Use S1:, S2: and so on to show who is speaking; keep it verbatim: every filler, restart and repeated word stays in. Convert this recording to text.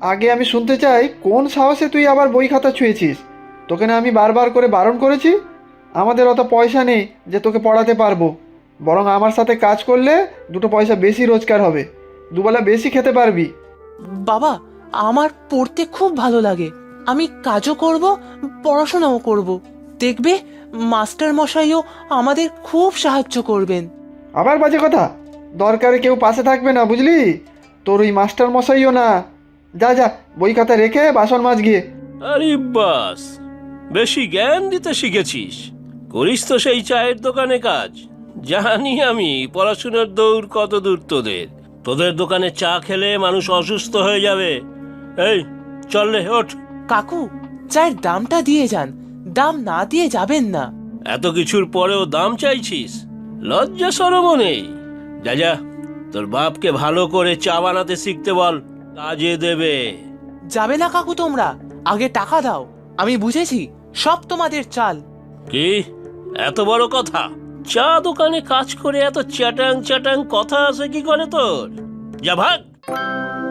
S1: আগে আমি শুনতে চাই, কোন সাহসে তুই আবার বই খাতা ছুঁয়েছিস? তোকে না আমি বারবার করে বারণ করেছি? আমাদের অত পয়সা নেই যে তোকে পড়াতে পারবো। বরং আমার সাথে কাজ করলে দুটো পয়সা বেশি রোজগার হবে, দুবেলা বেশি খেতে পারবি।
S2: বাবা, আমার পড়তে খুব ভালো লাগে। আমি কাজও করব, পড়াশোনাও করব। দেখবে মাস্টার মশাইও আমাদের খুব সাহায্য করবেন।
S1: আবার বাজে কথা! দরকারে কেউ পাশে থাকবে না, বুঝলি? তোর ওই মাস্টার মশাইও না। যা যা, বই খাতা রেখে বাসন মাজ গিয়ে।
S3: আরে বাস, বেশি জ্ঞান দিতে শিখেছিস। করিস তো সেই চায়ের দোকানে কাজ। জানি আমি পড়াশোনার দৌড় কত দূর তোদের। তোদের দোকানে চা খেলে মানুষ অসুস্থ হয়ে যাবে। এই চল রে, ওঠ।
S2: কাকু, চায়ের দামটা দিয়ে যান। দাম না দিয়ে যাবেন না।
S3: এত কিছুর পরেও দাম চাইছিস? লজ্জা শরমও নেই? যা যা, তোর বাপকে ভালো করে চা বানাতে শিখতে বল, কাজে দেবে।
S2: যাবে না কাকু তোমরা, আগে টাকা দাও। আমি বুঝেছি, সব তোমাদের চাল।
S3: কি এত বড় কথা? চা দোকানে কাজ করে এত চ্যাটাং চ্যাটাং কথা আছে কি করে তোর? যা ভাগ।